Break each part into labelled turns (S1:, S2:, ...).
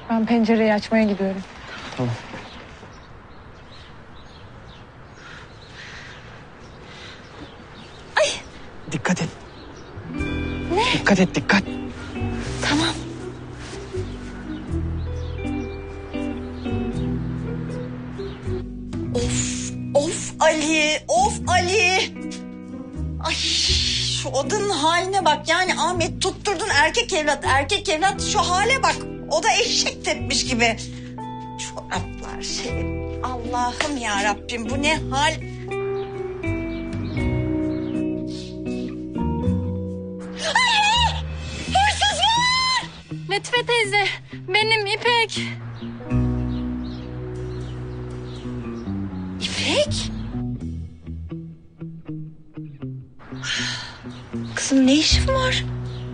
S1: Ben pencereyi açmaya gidiyorum.
S2: Tamam.
S1: Ay!
S2: Dikkat et.
S1: Ne?
S2: Dikkat et, dikkat.
S1: Tamam.
S3: Of Ali, of Ali. Ay şu odanın haline bak. Yani Ahmet tutturdun erkek evlat. Şu hale bak. O da eşek tepmiş gibi. Çoraplar şey. Allah'ım ya Rabbim bu ne hal? Ay! Hırsız var!
S1: Latife teyze, benim İpek.
S3: İpek? Kızım ne işin var?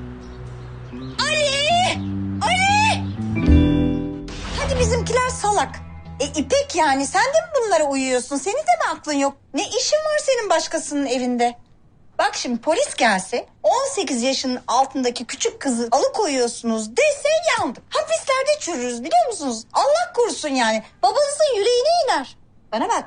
S3: Ali! Ali! Hadi bizimkiler salak. İpek yani sen de mi bunlara uyuyorsun? Senin de mi aklın yok? Ne işin var senin başkasının evinde? Bak şimdi polis gelse 18 yaşının altındaki küçük kızı alıkoyuyorsunuz dese yandık. Hapislerde çürürüz biliyor musunuz? Allah korusun yani. Babanızın yüreğine iner. Bana bak.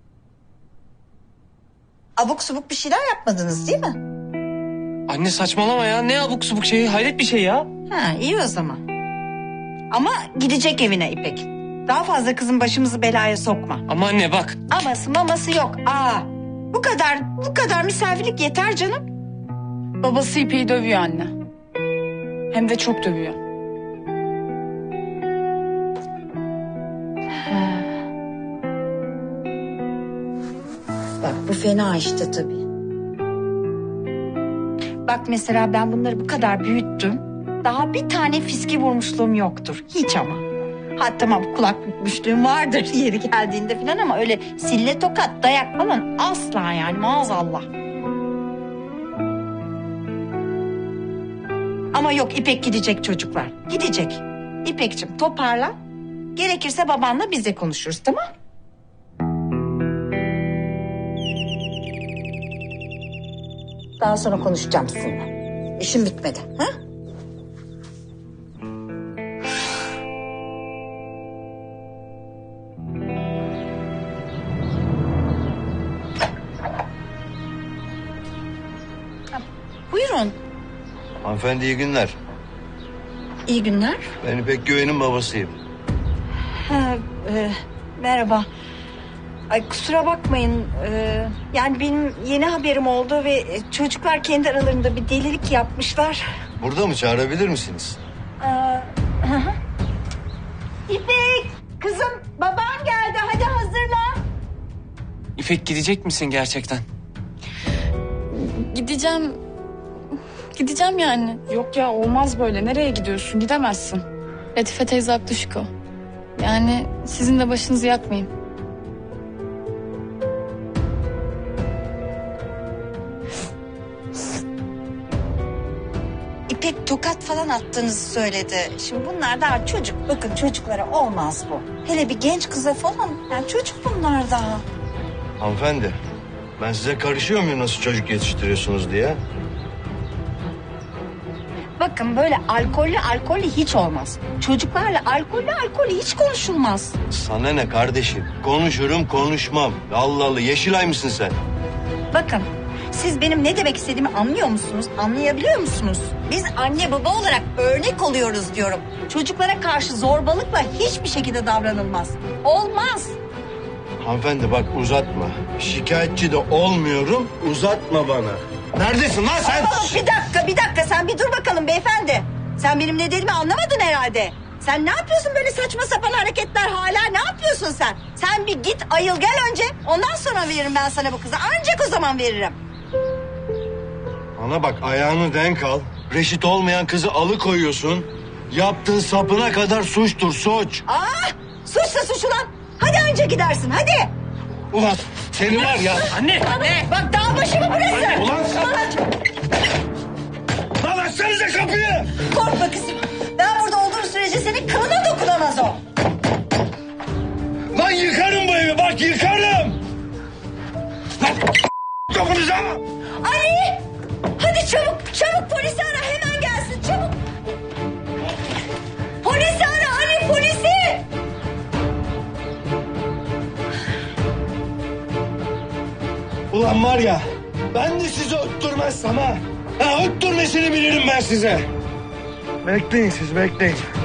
S3: Abuk subuk bir şeyler yapmadınız değil mi?
S2: Anne saçmalama ya. Ne abuk subuk şey, hayret bir şey ya.
S3: Ha iyi o zaman. Ama gidecek evine İpek. Daha fazla kızın başımızı belaya sokma.
S2: Ama anne bak.
S3: Aması maması yok. Bu kadar misafirlik yeter canım.
S1: Babası İpek'i dövüyor anne. Hem de çok dövüyor.
S3: Bak bu fena işte tabii. Bak mesela ben bunları bu kadar büyüttüm. Daha bir tane fiski vurmuşluğum yoktur. Hiç ama. Ha tamam kulak bükmüşlüğüm vardır yeri geldiğinde falan ama öyle sille tokat dayak falan asla yani maazallah. Ama yok İpek gidecek çocuklar. Gidecek. İpekciğim toparla. Gerekirse babanla biz de konuşuruz tamam? Daha sonra konuşacağım sizinle. İşim bitmedi. Ha? Buyurun.
S4: Hanımefendi iyi günler.
S3: İyi günler.
S4: Ben İpek Güven'in babasıyım.
S3: Merhaba. Ay kusura bakmayın. Yani benim yeni haberim oldu ve çocuklar kendi aralarında bir delilik yapmışlar.
S4: Burada mı çağırabilir misiniz?
S3: İpek, kızım baban geldi. Hadi hazırla.
S2: İpek gidecek misin gerçekten?
S1: Gideceğim. Gideceğim yani. Yok ya olmaz böyle. Nereye gidiyorsun? Gidemezsin. Latife teyze haklı Şiko. Yani sizin de başınızı yakmayın.
S3: İpek tokat falan attığınızı söyledi. Şimdi bunlar daha çocuk. Bakın çocuklara olmaz bu. Hele bir genç kıza falan. Yani çocuk bunlar daha.
S4: Hanımefendi ben size karışıyor muyum nasıl çocuk yetiştiriyorsunuz diye?
S3: Bakın böyle alkollü hiç olmaz. Çocuklarla alkollü hiç konuşulmaz.
S4: Sana ne kardeşim? Konuşurum konuşmam. Allah Allah Yeşilay mısın sen?
S3: Bakın siz benim ne demek istediğimi anlıyor musunuz? Anlayabiliyor musunuz? Biz anne baba olarak örnek oluyoruz diyorum. Çocuklara karşı zorbalıkla hiçbir şekilde davranılmaz. Olmaz.
S4: Hanımefendi bak uzatma. Şikayetçi de olmuyorum uzatma bana. Neredesin lan sen?
S3: Bir dakika sen bir dur bakalım beyefendi. Sen benim ne dediğimi anlamadın herhalde. Sen ne yapıyorsun böyle saçma sapan hareketler hala ne yapıyorsun sen? Sen bir git ayıl gel önce ondan sonra veririm ben sana bu kızı. Ancak o zaman veririm.
S4: Bana bak ayağını denk al. Reşit olmayan kızı alıkoyuyorsun. Yaptığın sapına kadar suçtur suç.
S3: Suçsa suç ulan. Hadi önce gidersin hadi.
S4: Ulan seni var ya.
S2: Anne!
S3: Bak dağ başı mı burası?
S4: Ulan lan açsanıza kapıyı.
S3: Korkma kızım. Ben burada olduğum sürece senin kılına dokunamaz o.
S4: Lan yıkarım bu evi bak yıkarım. Lan dokunacağım.
S3: Ali! Hadi çabuk polisi ara hemen gelsin çabuk. Polisi ara Ali
S4: Ulan var ya, ben de sizi öttürmezsem ha. Ha, öttürmesini bilirim ben size. Bekleyin siz, bekleyin.